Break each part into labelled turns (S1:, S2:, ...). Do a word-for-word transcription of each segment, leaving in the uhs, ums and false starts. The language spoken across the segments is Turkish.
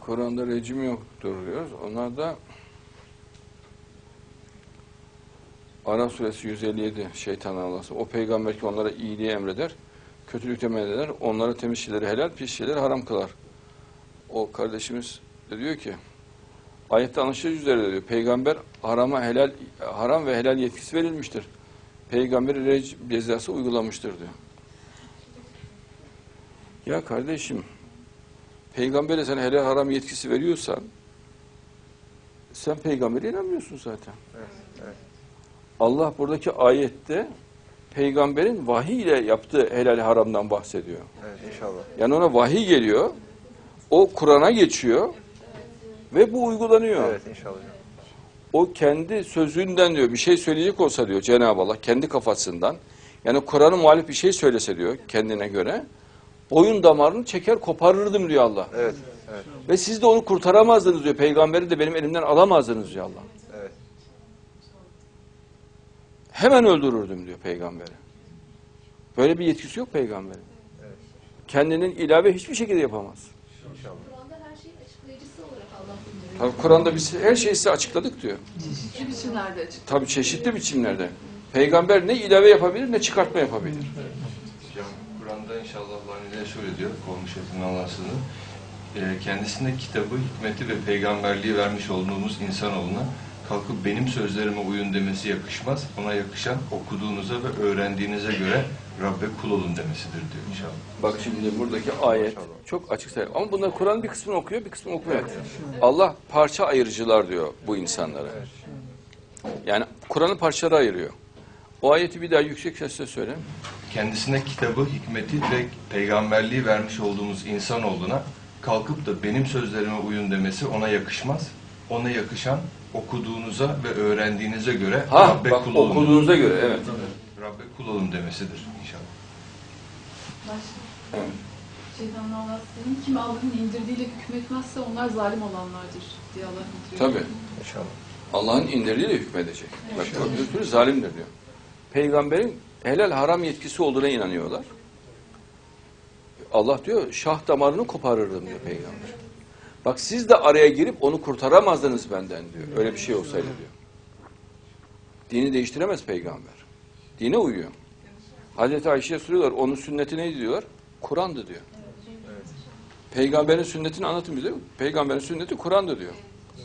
S1: Kur'an'da rejim yoktur diyoruz. Onlar da Araf suresi yüz elli yedi şeytan Allah'sı. O peygamber ki onlara iyiliği emreder, kötülükte men eder, onlara temiz şeyleri helal, pis şeyleri haram kılar. O kardeşimiz de diyor ki, ayette anlaşılır üzere diyor, peygamber harama helal, haram ve helal yetkisi verilmiştir. Peygamberi rejim cezası uygulamıştır diyor. Ya kardeşim, peygambere sen helal haram yetkisi veriyorsan, sen peygambere inanmıyorsun zaten.
S2: Evet, evet.
S1: Allah buradaki ayette peygamberin vahiy ile yaptığı helal haramdan bahsediyor.
S2: Evet, inşallah.
S1: Yani ona vahiy geliyor, o Kur'an'a geçiyor ve bu uygulanıyor.
S2: Evet, inşallah.
S1: O kendi sözünden diyor, bir şey söyleyecek olsa diyor Cenab-ı Allah, kendi kafasından, yani Kur'an'ın muhalif bir şey söylese diyor kendine göre, boyun damarını çeker koparırdım diyor Allah.
S2: Evet, evet.
S1: Ve siz de onu kurtaramazdınız diyor, peygamberi de benim elimden alamazdınız diyor Allah.
S2: Evet.
S1: Hemen öldürürdüm diyor peygamberi. Böyle bir yetkisi yok peygamberin.
S2: Evet.
S1: Kendinin ilave hiçbir şekilde yapamaz.
S2: İnşallah.
S3: Kur'an'da her şeyin açıklayıcısı olarak Allah bildiriyor.
S1: Tabii Kur'an'da biz her şeyi size açıkladık diyor.
S3: Çeşitli biçimlerde açıklıyor.
S1: Tabii çeşitli biçimlerde. Peygamber ne ilave yapabilir ne çıkartma yapabilir.
S4: Hocam Kur'an'da inşallah Allah ne şöyle diyor, olmuş etin Allah'sını. E, kendisine kitabı, hikmeti ve peygamberliği vermiş olduğumuz insanoğluna kalkıp benim sözlerime uyun demesi yakışmaz. Ona yakışan okuduğunuza ve öğrendiğinize göre Rabbe kul olun demesidir diyor inşallah.
S1: Bak şimdi buradaki ayet çok açık sayı. Ama bunlar Kur'an'ın bir kısmını okuyor, bir kısmını okumuyor. Allah parça ayırıcılar diyor bu insanlara. Yani Kur'an'ı parçalara ayırıyor. O ayeti bir daha yüksek sesle söyle.
S4: Kendisine kitabı, hikmeti ve peygamberliği vermiş olduğumuz insanoğluna kalkıp da benim sözlerime uyun demesi ona yakışmaz. Ona yakışan okuduğunuza ve öğrendiğinize göre
S1: Ha,
S4: Rabbe
S1: bak
S4: kul olun.
S1: okuduğunuza göre, evet.
S4: Rabbe kul olun demesidir inşallah.
S3: Başka. Şeytanın Allah'ın kim Allah'ın indirdiğiyle hükmetmezse onlar zalim olanlardır diye Allah bildiriyor.
S1: Tabii.
S2: İnşallah.
S1: Allah'ın indirdiğiyle hükmedecek. Bak bir sürü zalimdir diyor. Peygamberin helal haram yetkisi olduğuna inanıyorlar. Allah diyor şah damarını koparırdım diyor peygamber. Bak siz de araya girip onu kurtaramazdınız benden diyor. Öyle bir şey olsaydı diyor. Dini değiştiremez peygamber. Dine uyuyor. Hazreti Ayşe'ye soruyorlar, onun sünneti neydi diyorlar? Kur'an'dı diyor.
S2: Evet.
S1: Peygamberin sünnetini anlatın bize. Peygamberin sünneti Kur'an'dı diyor.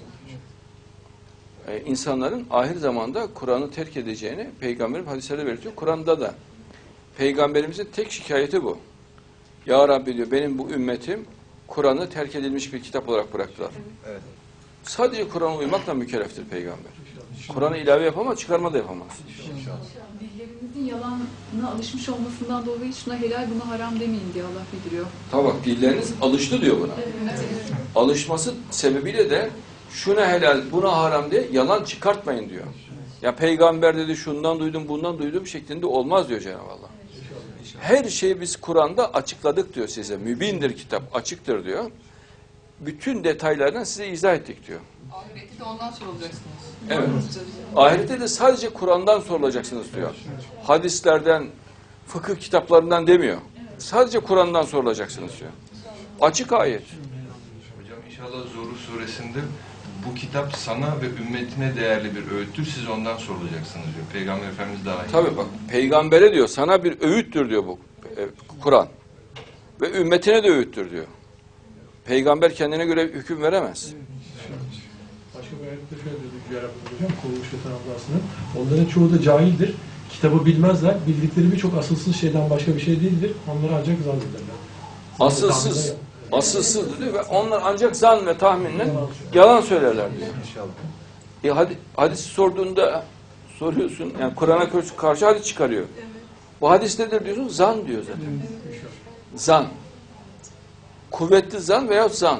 S1: Ee, insanların ahir zamanda Kur'an'ı terk edeceğini Peygamberin hadislerde belirtiyor. Kur'an'da da Peygamberimizin tek şikayeti bu. Ya Rabbi diyor, benim bu ümmetim Kur'an'ı terk edilmiş bir kitap olarak bıraktılar.
S2: Evet.
S1: Sadece Kur'an'a uymakla mükelleftir peygamber. Kur'an'ı ilave yapamaz, çıkarma da yapamaz.
S3: Dillerimizin yalanına alışmış olmasından dolayı şuna helal buna haram demeyin diye Allah bildiriyor.
S1: Tabi bak, dilleriniz alıştı diyor buna.
S3: Evet.
S1: Alışması sebebiyle de şuna helal, buna haram diye yalan çıkartmayın diyor. Ya peygamber dedi şundan duydum, bundan duydum şeklinde olmaz diyor Cenab-ı Allah. Her şeyi biz Kur'an'da açıkladık diyor size. Mübindir kitap, açıktır diyor. Bütün detaylardan size izah ettik diyor.
S5: Ahireti de ondan sorulacaksınız.
S1: Evet. Ahirette de sadece Kur'an'dan sorulacaksınız diyor. Hadislerden, fıkıh kitaplarından demiyor. Sadece Kur'an'dan sorulacaksınız diyor. Açık ayet.
S4: Hocam inşallah Zuhruf suresinde bu kitap sana ve ümmetine değerli bir öğüttür. Siz ondan sorulacaksınız diyor. Peygamber Efendimiz daha iyi.
S1: Tabii bak, peygambere diyor, sana bir öğüttür diyor bu e, Kur'an. Ve ümmetine de öğüttür diyor. Peygamber kendine göre hüküm veremez.
S6: Başka bir ayette şöyle dedi Yüce Rabbimiz hocam, kovulmuş şeytan ablasının. Onların çoğu da cahildir. Kitabı bilmezler. Bildikleri birçok asılsız şeyden başka bir şey değildir. Onları ancak zannederler.
S1: Asılsız, asılsız diyor ve onlar ancak zan ve tahminle yalan söylerler diyor.
S2: İnşallah.
S1: E hadi, hadis sorduğunda soruyorsun, yani Kur'an'a karşı, karşı hadis çıkarıyor. Bu hadis nedir diyorsun? Zan diyor zaten. Zan. Kuvvetli zan veya zan.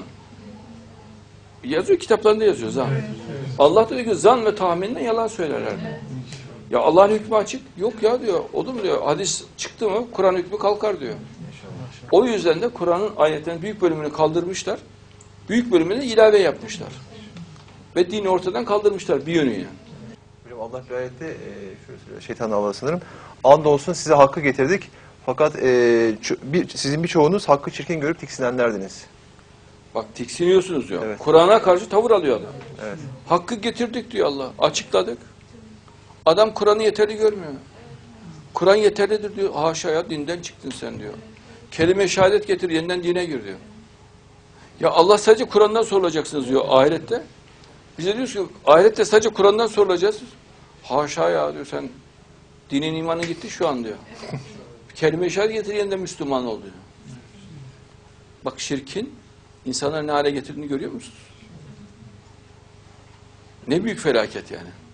S1: Yazıyor, kitaplarında yazıyor zan. Allah da diyor ki zan ve tahminle yalan söylerler. Ya Allah'ın hükmü açık. Yok ya diyor. Olur mu diyor. Hadis çıktı mı Kur'an hükmü kalkar diyor. O yüzden de Kur'an'ın ayetlerinin büyük bölümünü kaldırmışlar. Büyük bölümünü ilave yapmışlar. Ve dini ortadan kaldırmışlar bir yönüyle.
S2: Hocam Allah bir ayette e, şöyle söylüyor. Şeytan Allah sanırım. Andolsun size hakkı getirdik. Fakat e, bir, sizin birçoğunuz hakkı çirkin görüp tiksinenlerdiniz.
S1: Bak tiksiniyorsunuz diyor.
S2: Evet.
S1: Kur'an'a karşı tavır alıyor adam.
S2: Evet.
S1: Hakkı getirdik diyor Allah. Açıkladık. Adam Kur'an'ı yeterli görmüyor. Kur'an yeterlidir diyor. Haşa ya, dinden çıktın sen diyor. Kelime-i şehadet getir, yeniden dine gir diyor. Ya Allah sadece Kur'an'dan sorulacaksınız diyor ahirette. Bize diyoruz ki ahirette sadece Kur'an'dan sorulacağız. Haşa ya diyor, sen dinin imanı gitti şu an diyor. Kelime-i şehadet getir, yeniden Müslüman ol diyor. Bak şirkin insanları ne hale getirdiğini görüyor musunuz? Ne büyük felaket yani.